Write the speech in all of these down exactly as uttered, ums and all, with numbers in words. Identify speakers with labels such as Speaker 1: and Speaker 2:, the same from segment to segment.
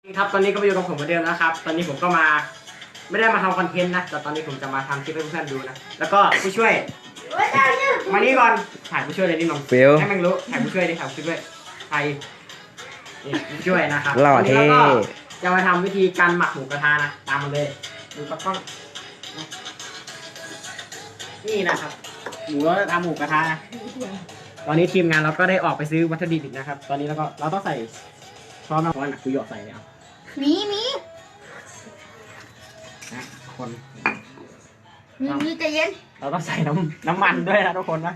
Speaker 1: ครับตอนนี้ก็มาอยู่กับผมเหมือนเดิมนะครับตอนนี้ผมก็มาไม่ได้มาทำคอนเทนต์นะแต่ตอนนี้ผมจะมาทำคลิปให้เพื่อนๆดูนะแล้วก็ผู้ช่วยมานี่ก่อนถ่ายผู้ช่วยเลยนี่น้อง
Speaker 2: ฟิล
Speaker 1: ให้แม่งรู้ถ่ายผู้ช่วยดิถ่ายผู้ช่วยใครนี่ผู้ช่วยนะครับ
Speaker 2: หล่อ
Speaker 1: วันนี้
Speaker 2: เท่
Speaker 1: เราก็จะมาทำวิธีการหมักหมูกระทะนะตามมาเลยดูกล้องนี่นะครับหมูเราจะทำหมูกระทะนะตอนนี้ทีมงานเราก็ได้ออกไปซื้อวัตถุดิบนะครับ ตอนนี้เราก็เราต้องใส่ช้อนมาช้อนนะคือหยอดใส่เนี่ยเอา
Speaker 3: มีมี
Speaker 1: นะคน
Speaker 3: มีมีใจเย็น
Speaker 1: เราต้องใส่น้ำน้ำมันด้วยนะทุกคนนะ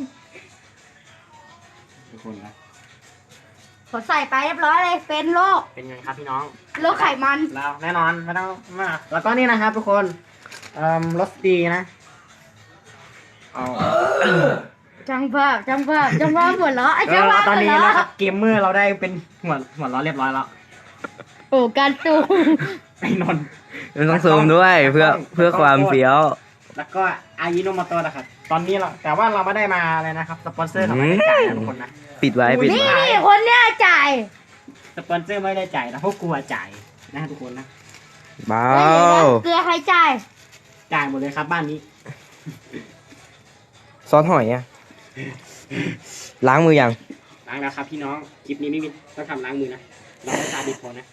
Speaker 1: ทุกคนนะ
Speaker 3: ผมใส่ไปเรียบร้อยเลยเป็นโรค
Speaker 1: เป็นไงครับพี่น้อง
Speaker 3: โรคไขมัน
Speaker 1: เราแน่นอนไม่ต้องมากแล้วก็นี่นะครับทุกคนเอ่อรสดีนะเอา
Speaker 3: จังภาพจังภาพจังภาพหัวเราะไอ้
Speaker 1: เอ
Speaker 3: จัง
Speaker 1: อ
Speaker 3: ภาพ
Speaker 1: ตอน
Speaker 3: หัว
Speaker 1: นี้
Speaker 3: เราะ
Speaker 1: นะครับเกมเมอร์เราได้เป็นหัวหัวล้อเรียบร้อยแล้ว
Speaker 3: โอ้การ์ตูน
Speaker 1: ไอ้นนท์
Speaker 2: มันต้องซูมด้วยเพื่อเพื่อความเฟี้ยว
Speaker 1: แล้วก็อายิโนโมโตะนะครับตอนนี้เราแต่ว่าเราไม่ได้มาอะไรนะครับสปอนเซอร์เขาไม่ได้จ่ายนะทุกคนนะ
Speaker 2: ปิดไว้ปิด
Speaker 3: นี่
Speaker 2: ไว้
Speaker 3: นี่คนเนี้ยจ่าย
Speaker 1: สปอนเซอร์ไม่ได้จ่ายนะพวกกูอะจ่ายนะทุกคนนะ
Speaker 2: เบา
Speaker 3: เกลือใครจ่าย
Speaker 1: จ่ายหมดเลยครับบ้านนี้
Speaker 2: ซอสหอยอ่ะล้างมือยัง
Speaker 1: ล้างแล้วครับพี่น้องคลิปนี้ไม่มีต้องทำล้างมือนะเราไม่ตาดีพอนะ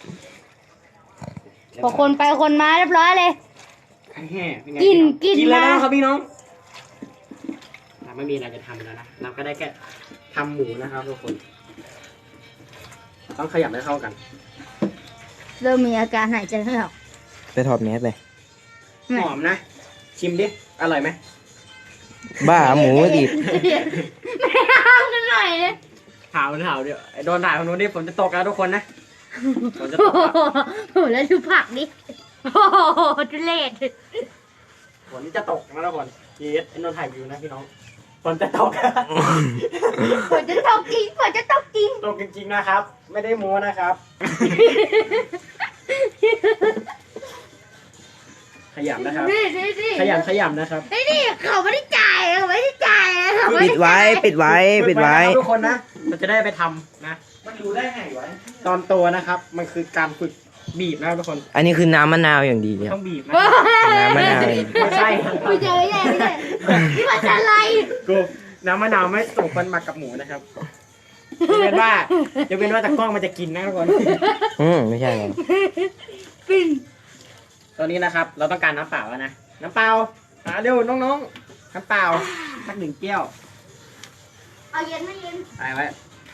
Speaker 3: พอคนไปคนมาเรียบร้อยเลย
Speaker 1: แห่เป็นไง
Speaker 3: กิน
Speaker 1: พี่
Speaker 3: กิน
Speaker 1: กินแล้ว
Speaker 3: นะ
Speaker 1: นะครับพี่น้องเราไม่มีอะไรจะทำแล้วนะเราก็ได้แค่ทำหมูนะครับทุกคนต้องขยับให้เข้ากัน
Speaker 3: เริ่มมีอาการหายใจไม่ออก
Speaker 2: ไปถอดแมสเลย
Speaker 1: หอมนะ ชิมดิอร่อยไหม
Speaker 2: บ้าหมูดิบ
Speaker 3: ไม่ห้ามกันหน่อยเลย
Speaker 1: ถาวถาวเดี๋ยวไอ้โดนถ่ายของนู้นดิฝนจะตกแล้วทุกคนนะฝนจะต
Speaker 3: โอ้
Speaker 1: กแล้ว
Speaker 3: โหแล้วดูผักดิโอ้โหทุเรศ
Speaker 1: ฝนจะตกนะทุกคนจีเอสไอ้นนท์ถ่ายวิวนะพี่น้องฝนจะตก
Speaker 3: ฝนจะตกจริงฝนจะตกจริง
Speaker 1: ตกจริงๆนะครับ ไม่ได้โม้นะครับ ขยำนะครับ
Speaker 3: นี่นี่นี่
Speaker 1: ขยำขยำนะครับ
Speaker 3: นี่นี่เขาไม่ได้จ่ายเขาไม่ได้จ่ายเขาไม่
Speaker 2: ปิด
Speaker 3: ได้
Speaker 2: ไว้ปิดไว้ปิดไว้
Speaker 1: นะครับทุกคนนะเราจะได้ไปทำนะมันดูได้ไงวะตอนโตนะครับ มันคือการฝึกบีบนะครับทุกคน
Speaker 2: อันนี้คือน้ำมะนาวอย่างดีเนี่ย
Speaker 1: ต้องบีบนะ
Speaker 2: น้ำมะนาว
Speaker 1: ไม่ใช่ครับ
Speaker 3: ไม่เจอไม่ใช่ไม่ใช่นี่มันอะไร
Speaker 1: กูน้ำมะนาวไม่ส่งคนมากับหมูนะครับจะเป็นว่าจะเป็นว่าตะกล้องมันจะกินนะทุกคน
Speaker 2: อืมไม่ใช่หรอก
Speaker 3: ปิ้ง
Speaker 1: ตอนนี้นะครับ เราต้องการน้ำเปล่าแล้วนะน้ำเปล่าหาเร็วน้องๆน้ำเปล่าสักหนึ่งแก้ว
Speaker 3: เอาเย็นไม่เย็น
Speaker 1: ไปไว้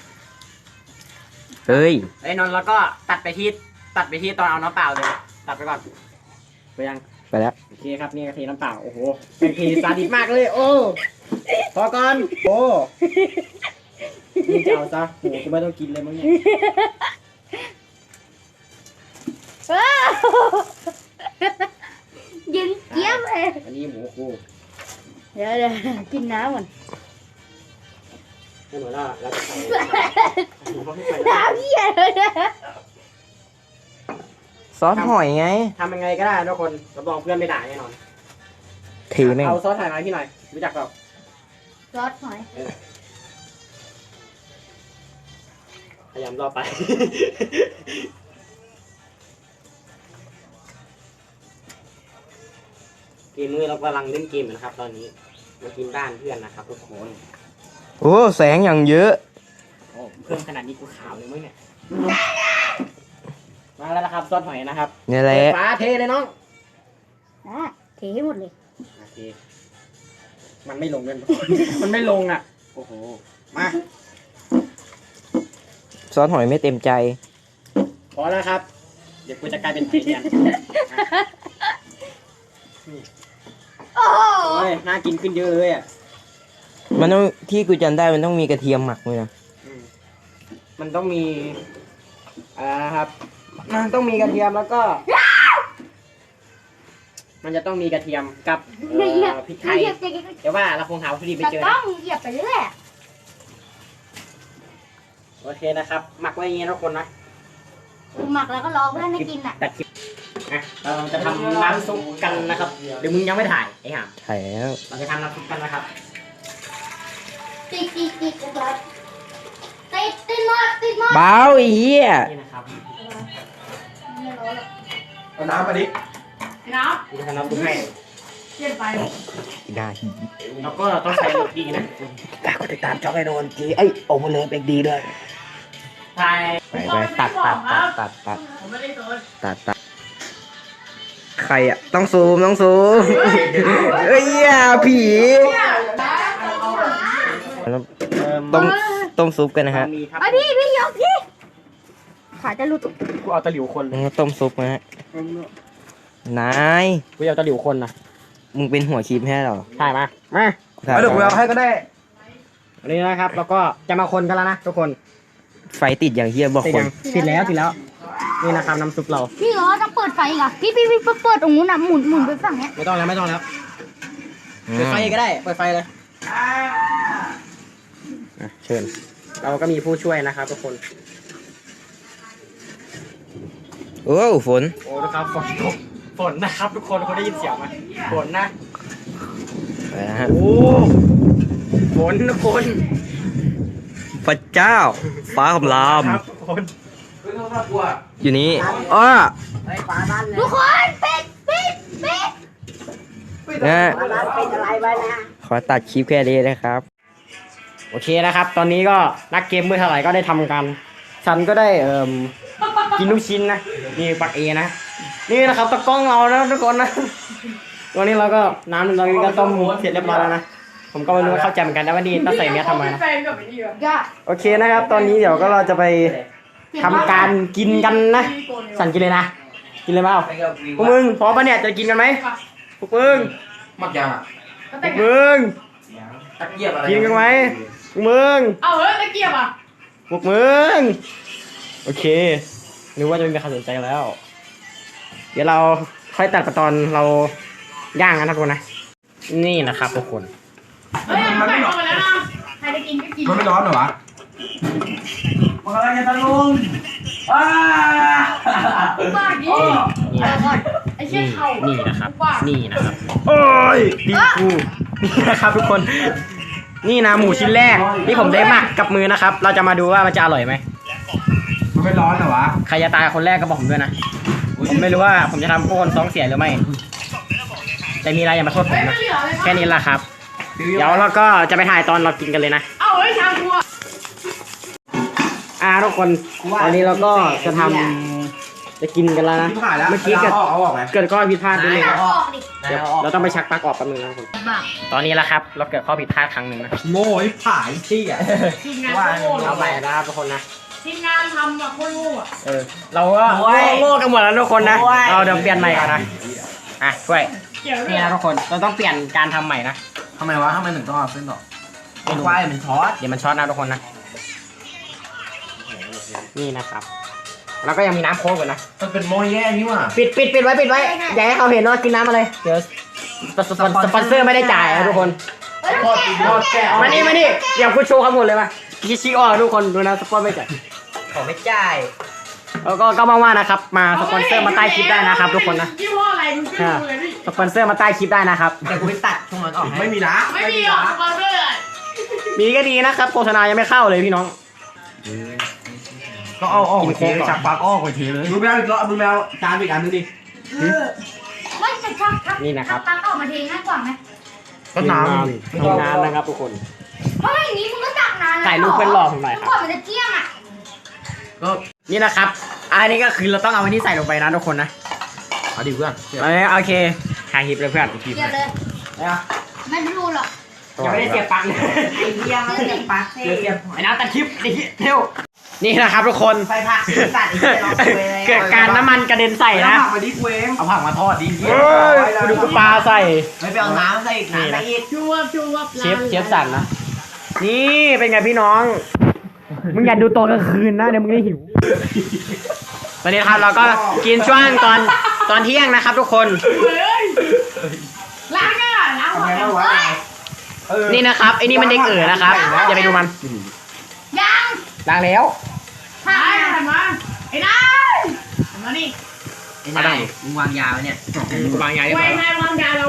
Speaker 2: เฮ้ย
Speaker 1: ไอ้นนท์แล้วก็ตัดไปที่ตัดไปที่ตอนเอาน้ำเปล่าเลยตัดไปก่อนไปยัง
Speaker 2: ไปแล้ว
Speaker 1: โอเคครับนี่กะทิน้ำเปล่าโอ้โหเป็นทีซาดิสมากเลยโอ้พอก่อนโอ้นี่จะเอาซะโอ้กูไม่ต้องกินเลยมั้งเนี่ย
Speaker 3: ว้าวเย็นเจี๊ยบเลย
Speaker 1: อันนี้หมูกู
Speaker 3: เดี๋ยวเดี๋ยวกินน้ำก่อน
Speaker 1: ให้หนูล่าแล้วจะใส่หมูเขาให้ใส่
Speaker 3: น้ำเหี้ยเลยนะ
Speaker 2: ซอสหอยไง
Speaker 1: ทำยังไงก็ได้ทุกคนรับรองเพื่อนไม่ด่าแน่นอน
Speaker 2: ทีแม่ง
Speaker 1: เอาซอสถ่ายมาให้พี่หน่อยรู้จักเปล่า
Speaker 3: ซอสหอย
Speaker 1: พยายามรอไป เกมมือเรากำลังเล่นเกมอยู่นะครับ ตอนนี้มากินบ้านเพื่อนนะครับทุกคน
Speaker 2: โอ้แสงอย่างเยอะ
Speaker 1: โอ้เพิ่มขนาดนี้กูขาวเลยมั้งเนี่ยมาแล้วนะครับซอสหอยนะครับ
Speaker 2: นี่แหละ
Speaker 1: ฟ้าเทเลยน้อง
Speaker 3: อ่ะเทให้หมดเลย
Speaker 1: โอเคมันไม่ลงเลย มันไม่ลงอ่ะโอ้โหมา
Speaker 2: ซอสหอยไม่เต็มใจ
Speaker 1: พอแล้วครับ เดี๋ยวกูจะกลายเป็นไข่เดียน
Speaker 3: โอ้โห
Speaker 1: โอ้ยน่ากินขึ้นเยอะเลยอ่ะ
Speaker 2: มันต้องที่กูจำได้มันต้องมีกระเทียมหมักด้วยนะ
Speaker 1: อืมมันต้องมีอะไรนะครับ มันต้องมีกระเทียมแล้วก็ มันจะต้องมีกระเทียมกับเอ่อพริกไทย
Speaker 3: เหยียบเหยียบเหยียบ
Speaker 1: เดี๋ยวว่าเราคงหาวัตถุดิบไม่
Speaker 3: ตะ
Speaker 1: เจอก
Speaker 3: ล้
Speaker 1: นะ
Speaker 3: องเหยียบไปเรื่อย
Speaker 1: โอเคนะครับ หมักไว้อย่างนี้นะทุกคนนะ
Speaker 3: หมักแล้วก็รอเพื่อนให้กินอ่ะ
Speaker 1: ตัดคลิปนะเราจะทำน้ำซุปกันนะครับ เดี๋ยวมึงยังไม่ถ่ายไอ้ห่าม
Speaker 2: ถ่ายแล้ว
Speaker 1: เราจะทำน้ำซุปกันนะครับ
Speaker 3: ติดติดติดติดติดติดหมดติดหมด
Speaker 2: เบาไอ้เหี้ย
Speaker 1: นี่นะครับ
Speaker 4: เอาน้ำมาดิ
Speaker 5: น้
Speaker 1: กูจะทำน้ำซุปให้
Speaker 5: ำเปลี่ยนไป
Speaker 2: ได้
Speaker 1: แล้วก็ต้องใส่รสดีนะ
Speaker 4: ตาก็ติดตามช่องไอ้โดนจีเอ้ยโอเวอร์เลยเป็นดีด้วย
Speaker 1: ใช่
Speaker 2: ไปไปตัดตัดตัดตัดตัด
Speaker 5: ผมไม่ได้โดน
Speaker 2: ตัดตัดใครอ่ะต้องซูมต้องซูมเอ้ยอย่าผี ต้มต้มซุปกันนะฮะ
Speaker 1: มีครับ
Speaker 3: ไอพี่พี่ยกพี่ขาจะหลุด
Speaker 1: กูเอาตะหลิวคนเลย
Speaker 2: ต้มซุปนะฮะนาย
Speaker 1: กูเอาตะหลิวคนนะ
Speaker 2: มึงเป็นหัวคลิปแค่หรอ
Speaker 1: ใช่มามา
Speaker 4: เอาเดี๋ยวกูเอาให้ก็ได้
Speaker 1: อันนี้นะครับแล้วก็จะมาคนกันแล้วนะทุกคน
Speaker 2: ไฟติดอย่างเฮียบอก
Speaker 1: ติด
Speaker 2: ค
Speaker 1: ยั
Speaker 2: น
Speaker 1: งติดแล้วติดแล้ว นี่นะครับน้ำซุปเรา
Speaker 3: พี่เหรอต้องเปิดไฟอีกอ่ะพี่พี่พี่เปิดตรงนู้นนะหมุนหมุนไปฝั่งเนี้ย
Speaker 1: ไม่ต้องแล้วไม่ต้องแล้วเปิดไฟก็ได้เปิดไฟเลยอ่ะเชิญเราก็มีผู้ช่วยนะครับทุกคน
Speaker 2: โอ้ฝน
Speaker 1: โอ้นะครับฝนตกฝนนะครับทุกคนเขาได้ยินเสียงไหมฝนนะ
Speaker 2: ไปนะฮะ
Speaker 1: โอ้ฝนทุกคน
Speaker 2: พระเจ้า ฟ้าคำราม
Speaker 1: ครับทุกคน
Speaker 2: อยู่นี่อ้อ
Speaker 3: ทุกคนปิดปิดปิด
Speaker 2: นะขอตัดคลิปแค่นี้นะครับ
Speaker 1: โอเคนะครับ ตอนนี้ก็นักเกมเมื่อเท่าไหร่ก็ได้ทำกันฉันก็ได้เอ่มกินลูกชิ้นนะนี่ปักเอนะนี่นะครับตะกล้องเรานะทุกคนนะวันนี้เราก็น้ำเราก็ต้มเสร็จเรียบร้อยแล้วนะผมก็ไม่รู้ว่าเข้าใจเหมือนกันนะว่านี่ต้องใส่เมียทำไมนะ
Speaker 5: แฟนกับไอ้นี่อะ
Speaker 3: อย่า
Speaker 1: โอเคนะครับ ตอนนี้เดี๋ยวก็เราจะไปทำการกินกันนะสั่นกินเลยนะกินเลยเปล่าพวกมึงพร้อมปะเนี่ยจะกินกันไหมพวกมึง
Speaker 4: มักยังอ่ะ
Speaker 5: ก็
Speaker 1: พ
Speaker 5: แต่
Speaker 1: ว
Speaker 5: ง
Speaker 1: กมึง
Speaker 4: ตะเกียบอะไร
Speaker 1: กินกันไหมพวกมึง
Speaker 5: เอาเฮ้ยตะเกียบอ่ะ
Speaker 1: พวกมึงโอเคนึกว่าจะไม่มีใครสนใจแล้ว เดี๋ยวเราค่อยตัดไปตอนเราย่างกันนะทุกคนนะนี่นะครับทุกคน
Speaker 5: เฮ้ยเอาไก่เข้ามาแล้วนะใครจะกินก็กิน
Speaker 4: มันไม่ร้อนเหรอวะมันอะไรกันตะลุงอ้า
Speaker 5: ปากดีเออก่อนไอ้เชี่ยเข่า
Speaker 1: นี่นะครับ
Speaker 5: ปาก
Speaker 1: นี่นะครับโอ้ยดีกูนี่นะครับทุกคน นี่นะหมูชิ้นแรกที่ผมได้หมักกับมือนะครับ เราจะมาดูว่ามันจะอร่อยไหม
Speaker 4: มันไม่ร้อนเหรอวะ
Speaker 1: ใครจะตายคนแรกก็บอกผมด้วยนะผมไม่รู้ว่าผมจะทำพวกคนท้องเสียหรือไม่แต่มีอะไรอย่ามาโทษผ
Speaker 5: เฮ้
Speaker 1: ม
Speaker 5: ย
Speaker 1: นะ
Speaker 5: ไม่เหลือเลย
Speaker 1: แค่นี้แหละครับ เดี๋ยวเราก็จะไปถ่ายตอนเรากินกันเลยนะ
Speaker 5: เอาเฮ้ยชามกูอะ
Speaker 1: อ่าทุกคนตอนนี้เราก็จะทำจะกินกันแล้วนะ
Speaker 4: ที่ผ่านแล้ว
Speaker 1: เมื่อกี้เกิด
Speaker 4: เอาออกไหม
Speaker 1: เกิดข้อผิดพลาดนิดนึง
Speaker 3: ออกดิ
Speaker 1: เดี๋ยวเราต้องไปชักปลั๊กออกแป๊บนึงนะทุกคน
Speaker 3: บ้า
Speaker 1: ตอนนี้แล้วครับ เราเกิดข้อผิดพลาดครั้งหนึ่งนะ
Speaker 4: โง่ไอ้ผายที่อ่ะ
Speaker 5: ทีมงานโง่
Speaker 1: เอาใหม่นะครับทุกคนนะ
Speaker 5: ทีมงานทำแบบโคตรโง่อะ
Speaker 1: เออเราก็โง่กันหมดแล้วทุกคนนะเราเดี๋ยวเปลี่ยนใหม่ก่อนนะอ่ะช่วย
Speaker 5: เกี่ยวด้ว
Speaker 1: นี่
Speaker 5: ย
Speaker 1: นะทุกคนเราต้องเปลี่ยนการทำใหม่นะ
Speaker 4: ทำไมวะทำไมถึงต้องเอาเส้นดอก
Speaker 1: ไม่รู้
Speaker 4: ควายมันช็อต
Speaker 1: เดี๋ยวมันช็อตนะทุกคนนะนี่นะครับแล้วก็ยังมีน้ำโค้กอยู่นะ
Speaker 4: มันเป็นโมยแย่นี่ว่ะ
Speaker 1: ปิดปิดปิดไว้ปิดไว้อย่าให้เขาเห็นว่ากินน้ำอะไรเดี๋ยวสปอนสปอนเซอร์ไม่ได้จ่ายนะทุกคน
Speaker 4: ทอดกินทอดแก้ว
Speaker 1: มานี่มานี่เดี๋ยวคุณโชว์ข้อมูลเลยมาคิชิออกทุกคนดูนะสปอนไม่จ่าย
Speaker 4: ขอไม่จ่าย
Speaker 1: แล้วก็ก็มาว่านะครับมาสปอนเซอร์มาใต้คลิปได้นะครับทุกคนนะ
Speaker 5: ยี่ห้ออะไรมึงช่วยดูเลยพี่
Speaker 1: สปอนเซอร์มาใต้คลิปได้นะครับ
Speaker 4: แต่กูไปตัดช่วงนั้นออกไม่มีนะ
Speaker 5: ไม่มีหรอกสปอนเซอร์อะ
Speaker 1: มีก็ดีนะครับโฆษณายังไม่เข้าเลยพี่น้อง
Speaker 4: ก็เอาออก
Speaker 1: กิ
Speaker 4: ไป
Speaker 1: น
Speaker 4: เท
Speaker 1: โค้กก่อน
Speaker 4: จับปากออกไปเทเลยมึงแมวอีกแล้วมึงแมวจานอีกอันนึงดิ
Speaker 3: ไม่จะชักชัก
Speaker 1: นี่นะครับ
Speaker 3: ตักออกมาเทง่ายกว่าไหม
Speaker 4: ก็น้ำ
Speaker 1: มีน้ำนะครับทุกคน
Speaker 3: เพราะอย่างนี้มึงก็ตักนาน
Speaker 1: ถ่ายรูปเพื่อนหล่อผมหน่อยครับ
Speaker 3: ก่อนมันจะเที่ยงอ่ะ
Speaker 4: ก็
Speaker 1: นี่นะครับอันนี้ก็คือเราต้องเอาอันนี้ใส่ลงไปนะทุกคนนะ
Speaker 4: เอาดิเพื่อน
Speaker 1: เอาเลยโอเคถ่ายคลิปเลยเพื่อน
Speaker 3: เดี๋ยวเลย
Speaker 1: เอา
Speaker 3: ไม่รู้หรอก
Speaker 1: ยังไม่ได้เสียบปลั๊กเลย
Speaker 3: ไอ้เหี้ยมันเสียบปลั๊ก
Speaker 1: เสียบเสียบไอ้น้ำตัดคลิปไอ้เหี้ยเร็วนี่นะครับทุกคน
Speaker 6: ไฟผักสัตว์อีกแล้วเราคุยเลย
Speaker 1: เกิดการน้ำมันกระเด็นใส่นะ
Speaker 4: ผักมาดิกูเอง
Speaker 1: เอาผักมาทอดดิเฮ้ยกูดูกูปลาใส่
Speaker 6: ไม่ไปเอาน้ำใส่อีกน้ำใส่อีก
Speaker 5: ชูวับชูวับ
Speaker 1: เชฟเชฟสั่นนะ นี่เป็นไงพี่น้อง มึงอย่าดูโตกลางคืนนะเดี๋ยวมึงได้หิว ตอนนี้ครับเราก็กินช่วงตอนตอนเที่ยงนะครับ ทุกคน
Speaker 5: เฮ้ยล้างอ่ะล้างหัวกัน
Speaker 1: นี่นะครับไอ้นี่มันเด็กเอ๋อนะครับอย่าไปดูมัน
Speaker 3: ยัง
Speaker 1: ล้างแล้ว
Speaker 3: ถ้า
Speaker 5: ไอ้หันมาไอ้นายหันมานี่
Speaker 6: ไอ้นายมึงวางยาวเนี่ย
Speaker 1: บางอย่างเรียบ
Speaker 5: ไว้
Speaker 1: ร้อย
Speaker 5: นายวางยาเรา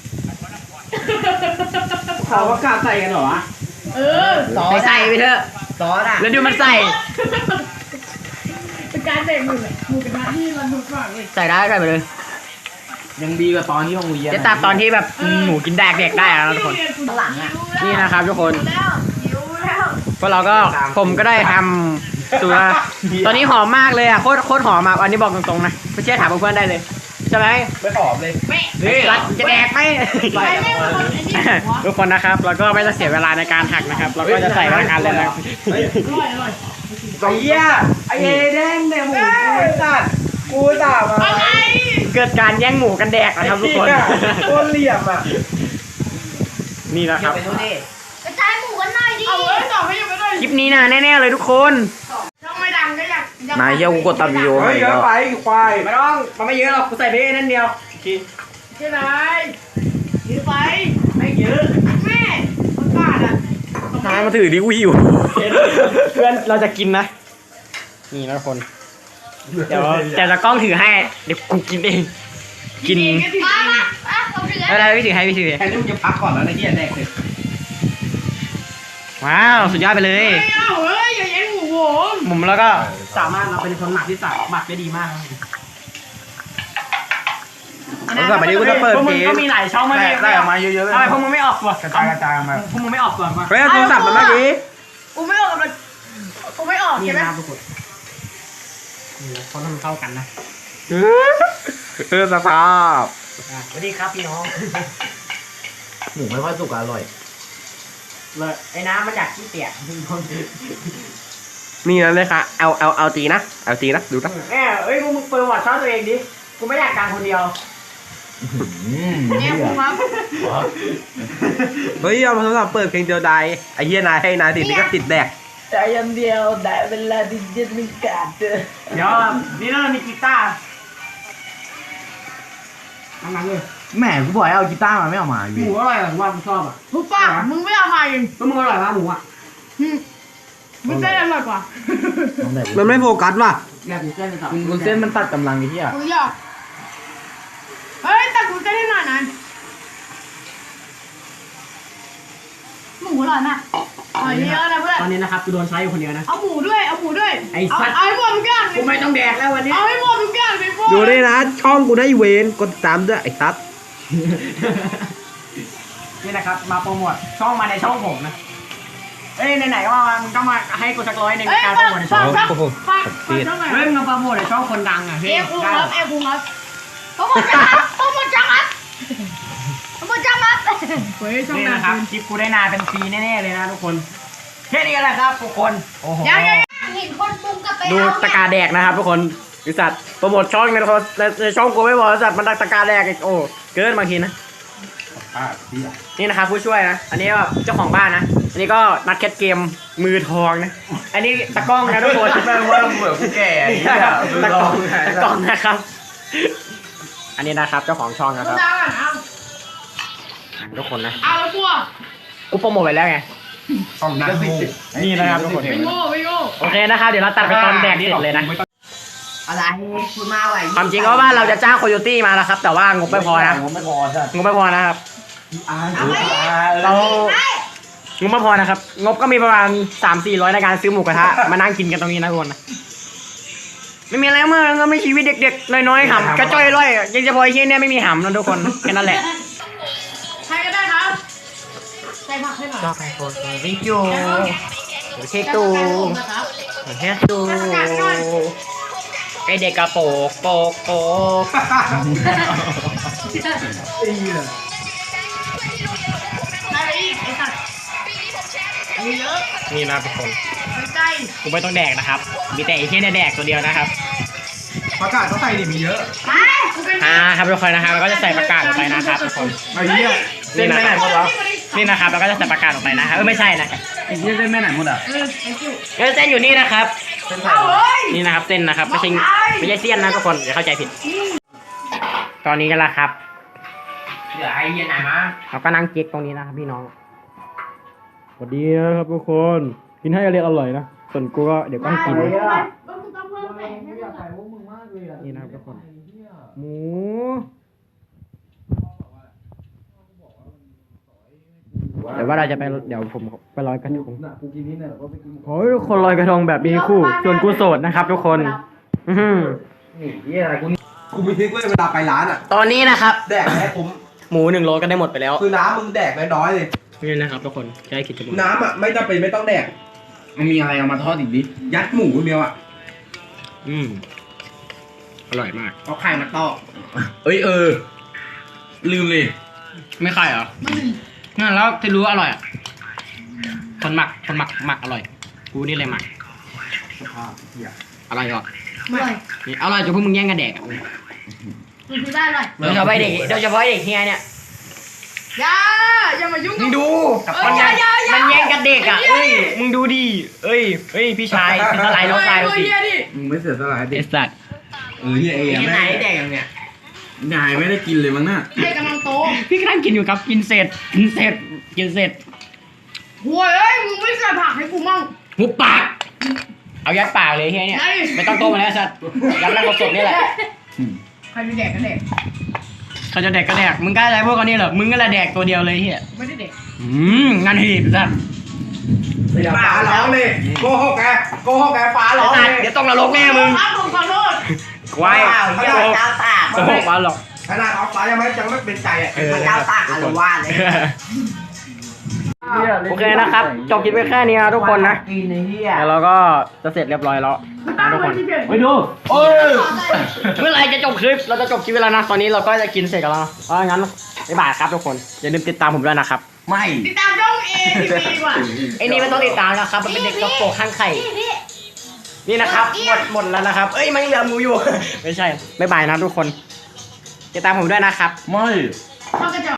Speaker 1: เขาว่ากล้าใส่กันเหรอวะ
Speaker 5: เออ
Speaker 6: ซอ
Speaker 1: ไป
Speaker 6: ส
Speaker 1: ใส่ไปเถอะ
Speaker 6: ซอสอ่ะ
Speaker 1: แล้วดูมันใส่
Speaker 5: กการเตะมือเลยหมูกระทะที่มันดูดมากเลย
Speaker 1: ใส่ได้ใส่ไปเลย
Speaker 2: ยังดีกว่าตอนที่ห้องเรียน
Speaker 1: จะตัดตอนที่แบบหมูกินแดกเด็กได้นะทุกคน
Speaker 6: ข้างหลังอ่ะ
Speaker 1: นี่นะครับทุกคน
Speaker 5: แล้วหิวแล้ว
Speaker 1: พวกเราก็ผมก็ได้ทำตัวตอนนี้หอมมากเลยอ่ะโคตรโคตรหอมอ่ะอันนี้บอกตรงๆนะไม่เชื่อถามเพื่อนๆได้เลยใช่ไหม
Speaker 2: ไม่หอมเลย
Speaker 5: แม่
Speaker 1: เฮ้ยจะแดกไหม
Speaker 5: ใครแม่เป็นคนไอ้นี่หัว
Speaker 1: ทุกคนนะครับเราก็ไม่ต้องเสียเวลาในการหักนะครับ เราก็จะใส่พนักงานเลยนะ
Speaker 5: อร่อยอร่อย
Speaker 2: ไอ้เหี้ยไอ้เอแดงเนี่ยหมูกูไอ้สัตว์กูด่ามา
Speaker 5: อะไร
Speaker 1: เกิดการแย่งหมูกันแดกนะครับทุกคน
Speaker 2: โคตรเหลี่ยมอ่ะ
Speaker 1: นี่นะค
Speaker 6: เดี๋ย
Speaker 1: รั
Speaker 6: ว
Speaker 1: บ
Speaker 6: ไปดูดิ
Speaker 3: กระจายหมูกันหน่อยดิ
Speaker 5: เอาเว้ยต่อไม่ยังไม่ได้
Speaker 1: คลิปนี้นะแน่ๆเลยทุกคน
Speaker 5: ช่องไม่ดังก็อยาก
Speaker 2: นายเหี้ยกูกดตัดวิดีโอ
Speaker 4: เฮ้
Speaker 2: ให้
Speaker 4: ยเยอะ
Speaker 2: แล้ว
Speaker 4: ไปควาย
Speaker 1: ไม่ต้องมันไม่เยอะหรอกกูใส่ไปนั่นเดียว
Speaker 5: ใช่ไหมยืดไปไม่เยอะแม่ประกาศอ่ะ
Speaker 2: นายมาถือดิกูหิว
Speaker 1: เพื่อนเราจะกินนะ นี่นะทุกคน เดี๋ยวแต่ละกล้องถือให้ เดี๋ยวกูกินเอง กิน
Speaker 3: มามาอ่ะผมถือ
Speaker 1: อะไรพี่ถือให้พี่ถือให้
Speaker 2: แค่นี้มึงจะพักก่อนแล้วนะเหี้ยแดกเลย
Speaker 1: ว้าวสุดยอดไปเลย
Speaker 5: ไม่เอาเฮ้ยอย่าแย่งหมูผม
Speaker 1: หมุมแล้วก็สามารถเราเป็นคนหมักที่สามหมักได้ดีมากครับ
Speaker 2: แล้วกลับไปนี้กูจะเปิด
Speaker 1: พวก
Speaker 2: เพ
Speaker 1: มึ
Speaker 2: ล
Speaker 1: ง
Speaker 2: ง
Speaker 1: ก็มีหลายช่องไม่
Speaker 4: ได้ได้ออกมาเยอะๆเลย
Speaker 1: ทำไมพวกมึงไม่ออกก่อน
Speaker 4: กระจายกระจายมา
Speaker 1: พวกมึงไม่ออกก่อนวะ
Speaker 2: เฮ้ยเอาโทรศัพท์มาเมื่อกี้
Speaker 5: กูไม่ออกกับมันกูไม่ออก
Speaker 1: นี่
Speaker 5: ใช่ไหม
Speaker 1: นะครับทุกคนนี่นะเขาทำเข้ากันนะ
Speaker 2: เออสภาพ
Speaker 1: อ่ะสวัสดีครับพี่น้อง
Speaker 2: หมูไม่ค่อยสุกอร่อย
Speaker 1: เลยไอ้น้ำมันอยากขี้เปียก
Speaker 2: นี่นั่นเลยค่ะเอาเอาเอาตีนะเอาตีนะดูนะ
Speaker 1: แม่เอ้ยพวกมึงเปิดวอร์ดช่องตัวเองดิกูไม่อยากการคนเดียว
Speaker 5: เนี่ยกูครับ
Speaker 2: เฮ้ยเอาโทรศัพท์เปิดเพลงเดียวดายไอ้เหี้ยนายให้นายติดนี่ก็ติดแดก
Speaker 5: ใจยันเดียวแต่เวลาที่จะมีการเจอ
Speaker 1: เดี๋ยวนี่เรามีกีตาร์นั่งๆเลย
Speaker 4: แหมกูบอกให้เอากีตาร์มาไม่เอามาอ
Speaker 1: ห
Speaker 4: ยู่
Speaker 1: มูอร่อยอ่ะผมว่าผมชอบอ่ะ
Speaker 5: ทุกป้ามึงไม่เอามาเอง
Speaker 1: แล้วมึงอร่อยมากหมูอ่ะ
Speaker 5: มึงเต้นอร่อยกว่า
Speaker 2: มันไม่โฟกัสว่ะ
Speaker 1: อยากกินเส้นเลยสับ
Speaker 4: มึงเส้นมันตัดกำลังไอ้เหี้ย
Speaker 5: กูอยากเฮ้ยแต่กูเต้นให้หน่อยนะหมูอร่อยมากอร่อยเยอะนะเพื่อน
Speaker 1: ตอนนี้นะครับกูโดนใช้อยู่คนเดียวนะ
Speaker 5: เอาหมูด้วยเอาหมูด้วย
Speaker 1: ไอ้
Speaker 5: เอา
Speaker 1: สัตว์
Speaker 5: เอาให้หมดทุกอย่าง
Speaker 1: กูไม่ต้องแดกแล้ววันนี้
Speaker 5: เอาให้หมดทุกอย่างไปหมด
Speaker 2: ดูด้วยนะ ช่องกูได้เวนกดติดตามด้วยไอ้ตั๊ด
Speaker 1: นี่นะครับมาโปรโมทช่องมาในช่องผมนะเอ้ยไหนๆก็มามึงก็มาให้กูสักร้อยหนึ่ง
Speaker 5: เอ้ย
Speaker 1: การโป
Speaker 5: ฝาร ก
Speaker 1: โมทในช่
Speaker 5: ฝา
Speaker 1: อง
Speaker 5: กฝากฝากฝากช่องไหน
Speaker 1: เฮ้ยมึงมาโปรโมทในช่องคนดังอ่ะ
Speaker 5: เอ
Speaker 1: เฮ้ย
Speaker 5: ฟคุงครับเอฟคุงครับโปรโมทจังครับโปรโมทจังครับโปรโมทจังครับเฮ้ยช่อง
Speaker 1: นี่
Speaker 5: ไหน
Speaker 1: นะครับคลิปกูได้นานเป็นปีแน่ๆเลยนะทุกคนแค่นี้แหละครับทุกคนโอ้โห
Speaker 5: ยังยัง
Speaker 3: เห็นคนปรุงกลับไป
Speaker 1: ดู
Speaker 3: เอา
Speaker 1: ตะกาแดกนะครับทุกคนบริษัทโปรโมทช่องในโทรในช่องกูไม่บอกบริษัทมันตะกาแดกอีกโอ้เกินบางทีนะ
Speaker 4: อ่าเหี้ย
Speaker 1: นี่นะครับผู้ช่วยนะ อันนี้ก็เจ้าของบ้านนะ อันนี้ก็นักแคทเกมมือทองนะ อันนี้ตะกล้องนะทุกคน
Speaker 4: แม่งว่าเหมือนกูแก่ไอ้เหี้ย
Speaker 1: ตะกล้องตะกล้องนะครับ อันนี้นะครับเจ้าของช่องนะ
Speaker 5: กู
Speaker 1: ครับ
Speaker 5: ดาวอ่ะเอา
Speaker 1: อ่ะทุกคนนะ
Speaker 5: เอาแล้วกูอ่ะ
Speaker 1: กูโปรโมทไปแล้วไง
Speaker 4: ต้องนักงู
Speaker 1: นี่นะครับทุกคน
Speaker 5: ไม่โง่ไม่โง่
Speaker 1: โอเคนะครับ เดี๋ยวเราตัดไปตอนแดกเสร็จเลยนะ
Speaker 6: อะไรพูดมาไหว
Speaker 1: ความจริงก็ว่าเราจะจ้างโคโยตี้มาแล้วครับ แต่ว่างบไม่พอนะ
Speaker 4: ผมไม่พอจ้ะ
Speaker 1: งบไม่พอนะครับ เรา งบไม่พอนะครับ งบก็มีประมาณสามสี่ร้อยในการซื้อหมูกระทะ มานั่งกินกันตรงนี้นะทุกคนนะ ไม่มีอะไรมากก็ไม่ชีวิตเด็กๆ น้อยๆหำกระจ้อยร่อยยังจะพอไอ้เชี่ยเนี่ยไม่มีหำนะทุกคน แค่นั้นแหละ
Speaker 5: ใครก็ได้ครับใส่ผักให้หน่อย
Speaker 1: ชอบไอโฟนวิจูเค้กตูเค้กตูไอเด็กกระโปกโปกโปก
Speaker 5: ได้ไปอีกไอ้สัตว์เอาเยอะ
Speaker 1: นี่นะทุกคน
Speaker 5: ไปใกล้
Speaker 1: กูไม่ต้องแดกนะครับ มีแต่ไอเชี่ยเนี่ยแดกตัวเดียวนะครับ
Speaker 4: ประกาศเขาใส่ดิมีเยอะ
Speaker 5: ไปกูเป็น
Speaker 1: อ่าครับทุกคนนะครับเราก็จะใส่ประกาศลงไปนะครับทุกคน
Speaker 4: ไอ้เหี้ยเส้นไปไหนหมดวะ
Speaker 1: นี่นะครับเราก็จะใส่ประกาศลงไปนะครับเออไม่ใช่นะ
Speaker 4: ไอ้เหี้ยเส้นไปไหนหมดอ่ะ
Speaker 5: เออไอ้คิว
Speaker 1: เออเส้นอยู่นี่นะครับ
Speaker 4: เส้นไท
Speaker 5: เอา
Speaker 4: ย
Speaker 5: เฮ้ย
Speaker 1: นี่นะครับเส้นนะครับไม่ใช่ไม่ใช่เสี้ยนนะทุกคนอย่าเข้าใจผิด ตอนนี้กันละครับ
Speaker 6: เหลือไอ้เหี้ยไหนมา
Speaker 1: เราก็นั่งเก๊กตรงนี้นะครับพี่น้องสวัสดีนะครับทุกคน กินให้อร่อยอร่อยนะ ส่วนกูก็เดี๋ยวก็กิน
Speaker 5: แล้วกูต้องเพิ่มแสงให้มันหน่อย
Speaker 1: นี่นะครับทุกคน หมู เดี๋ยวว่าเราจะไปเดี๋ยวผมไปลอยกระทง
Speaker 4: กูกินนี่เนี่ยก็ไปกิน
Speaker 1: ขอให้ทุกคนลอยกระทงแบบมีคู่ ส่วนกูโสดนะครับทุกคนอื้อหือ
Speaker 4: นี่เหี้ยอะไรกูนี่กูมีทริคเว้ยเวลาไปร้านอ่ะ
Speaker 1: ตอนนี้นะครับ
Speaker 4: แดกให้คุ้ม
Speaker 1: หมูหนึ่งโลก็ได้หมดไปแล้ว
Speaker 4: คือน้ำมึงแดกน้อยๆเลย
Speaker 1: นี่นะครับทุกคนใกล้คิดจะหมด
Speaker 4: น้ำอ่ะไม่จำเป็นไม่ต้องแดก
Speaker 7: มันมีอะไรเอามาทอดอีกดิ
Speaker 4: ยัดหมูคนเดียวอ่ะ
Speaker 1: อืมอร่อยมาก
Speaker 6: เอาไข่มาตอก
Speaker 7: เอ้ยเออ ลืมเลย
Speaker 1: ไม่ใครเหรองั้นแล้วที่รู้ว่าอร่อยอ่ะคนหมักคนหมักหมักอร่อยกูนี่เลยหมักอร่อยก่อน
Speaker 5: อร่อย
Speaker 1: นี่อร่อยจนพวกมึงแย่งกันแดกอ่ะ
Speaker 5: มันคือได้อร่อย
Speaker 1: โดยเฉพาะเด็กโดยเฉพาะเด็กเฮียเนี่ย
Speaker 5: อย่าอย่ามายุ่ง
Speaker 1: มึงดู
Speaker 5: กับ
Speaker 1: มัน
Speaker 5: อย่าอย่าอย่า
Speaker 1: มันแย่งกันเด็กอ่ะเอ้ยมึงดูดิเอ้ยเอ้ยพี่ชายเป็นอะไรน้องชายเราสิ
Speaker 5: เฮียดิ
Speaker 7: มึงไม่เสียสละ
Speaker 1: ไอ
Speaker 7: ดิ
Speaker 1: สัตว์
Speaker 7: เออเฮียเอ
Speaker 6: ที่ไหน
Speaker 7: แม่
Speaker 6: แดกอย่างเนี้ย
Speaker 7: นายไม่ได้กินเลยมั้งน่ะ
Speaker 5: ให้กำลังโต
Speaker 1: พี่กำลังกินอยู่ครับกินเสร็จกินเสร็จกินเสร็จ
Speaker 5: โว้ยเอ้ยมึงไม่ใส่ผักให้กูมั่ง
Speaker 1: หุบปากเอายัดปากเลยเฮียเนี่ย
Speaker 5: ไม่
Speaker 1: ไม่ต้องต้มมาแล้วสัตว์ยัดนั่งสดๆนี่แหละ
Speaker 5: ใครจะแดกก็แดก
Speaker 1: เขาจะแดกก็แดกมึงกล้าอะไรพวกเขานี่เหรอมึงก็ละแดกตัวเดียวเลยเฮีย
Speaker 5: ไม่ได้แดก
Speaker 1: อืมงานหีบสัตว์
Speaker 4: ฟ้าร้องเลยโกหกแกโกหกแกฟ้าร้อง
Speaker 1: สั
Speaker 4: เล
Speaker 1: ตว์
Speaker 4: ย
Speaker 1: เดี๋ยวต้องนรกแน่มึง
Speaker 5: ครับผมขอโทษ
Speaker 1: ควาย
Speaker 6: ว้าวเหี้ยเจ้าตาก
Speaker 1: โกหกมาหรอก
Speaker 4: ขนาดเอาฟ้ายังไม่ยังไม่เป็นใจอ่ะ
Speaker 1: เออ
Speaker 6: เจ้าตากอารวาสเลย
Speaker 1: โอเคนะครับจบคลิปไปแค่นี้นะทุกคนนะ
Speaker 6: กินไอ้เหี้ย
Speaker 1: แล้วเราก็จะเสร็จเรียบร้อยแล้วนะทุกคน
Speaker 7: ไปดู
Speaker 1: โอ้ยเมื่อไหรจะจบคลิปเราจะจบคลิปไปแล้วนะตอนนี้เราก็จะกินเสร็จกันแล้วนะเพราะงั้นบ๊ายบายครับทุกคนอย่าลืมติดตามผมด้วยนะครับ
Speaker 7: ไม่
Speaker 5: ติดตามช่องเอทีดีกว่า
Speaker 1: ไอ้นี่ไม่ต้องติดตามนะครับมันเป็นเด็กกระโปรงข้างไข่
Speaker 5: พี่พี่
Speaker 1: นี่นะครับหมดหมดแล้วนะครับเอ้ยมันยังเหลือหมูอยู่ ไม่ใช่บ๊ายบายนะทุกคนติดตามผมด้วยนะครับ
Speaker 7: ไม่
Speaker 5: ช่องกระจอก